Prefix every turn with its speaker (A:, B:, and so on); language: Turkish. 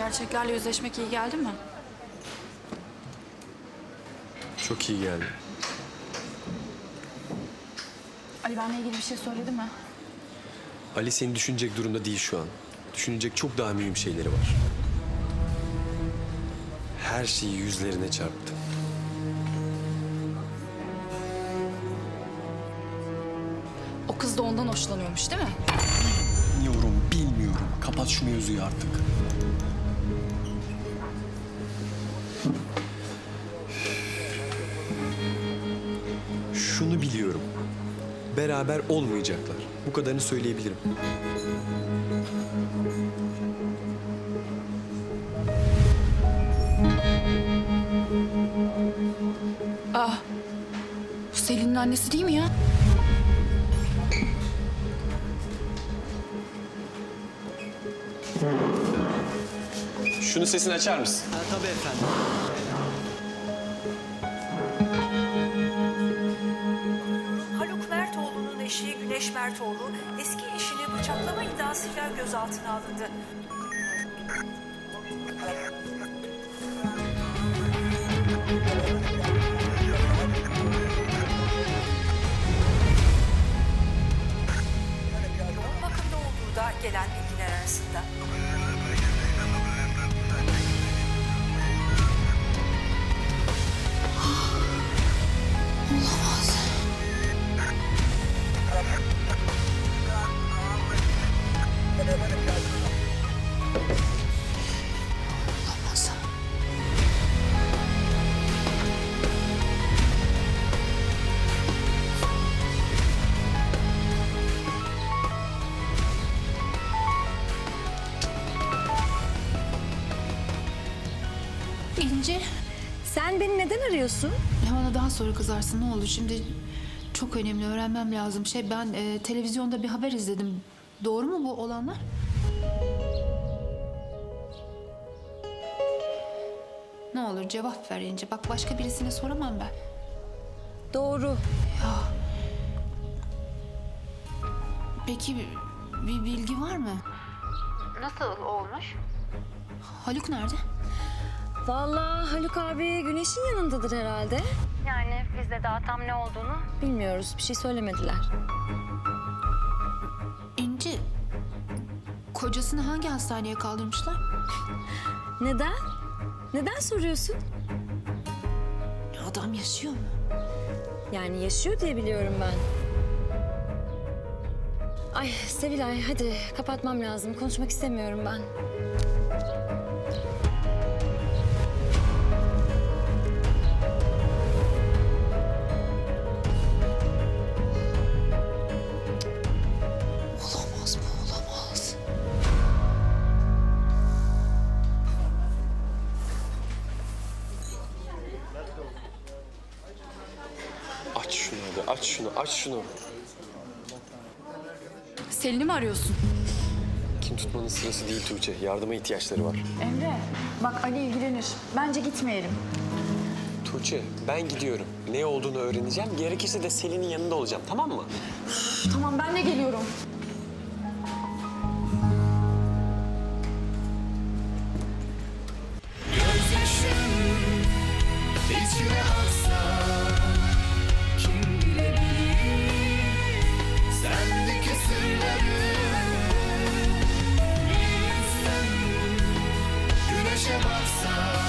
A: Gerçeklerle yüzleşmek iyi geldi mi?
B: Çok iyi geldi.
A: Ali benimle ilgili bir şey söyledi mi?
B: Ali seni düşünecek durumda değil şu an. Düşünecek çok daha mühim şeyleri var. Her şeyi yüzlerine çarptı.
A: O kız da ondan hoşlanıyormuş değil mi?
B: Bilmiyorum. Kapat şu mevzuyu artık. Şunu biliyorum. Beraber olmayacaklar. Bu kadarını söyleyebilirim.
A: Bu Selin'in annesi değil mi ya?
B: Şunu sesini açar mısın?
C: Tabii efendim.
D: Haluk Mertoğlu'nun eşi Güneş Mertoğlu eski eşini bıçaklama iddiasıyla gözaltına alındı. Yoğun bakımda olduğu da gelen bilgiler arasında.
A: Olamaz. İnci.
E: Sen beni neden arıyorsun?
F: Ya bana daha sonra kızarsın ne olur. Şimdi çok önemli öğrenmem lazım. Ben televizyonda bir haber izledim. Doğru mu bu olanlar? Ne olur cevap ver İnci. Bak başka birisine soramam ben.
E: Doğru.
F: Peki bir bilgi var mı? Nasıl olmuş? Haluk nerede?
E: Vallahi Haluk abi Güneş'in yanındadır herhalde. Yani biz de daha tam ne olduğunu bilmiyoruz. Bir şey söylemediler.
F: İnci, kocasını hangi hastaneye kaldırmışlar?
E: Neden? Neden soruyorsun?
F: Adam yaşıyor mu?
E: Yani yaşıyor diye biliyorum ben. Ay Sevilay hadi kapatmam lazım. Konuşmak istemiyorum ben.
F: Olamaz bu, olamaz.
B: Aç şunu hadi. Aç şunu. Aç şunu.
A: Selin'i mi arıyorsun?
B: Kim tutmanın sırası değil Tuğçe. Yardıma ihtiyaçları var.
A: Emre, bak Ali ilgilenir. Bence gitmeyelim.
B: Tuğçe, ben gidiyorum. Ne olduğunu öğreneceğim. Gerekirse de Selin'in yanında olacağım. Tamam mı?
A: Tamam, ben de geliyorum.
G: İçine aksa kim bilebilir sendeki sırları bir insan güneşe baksa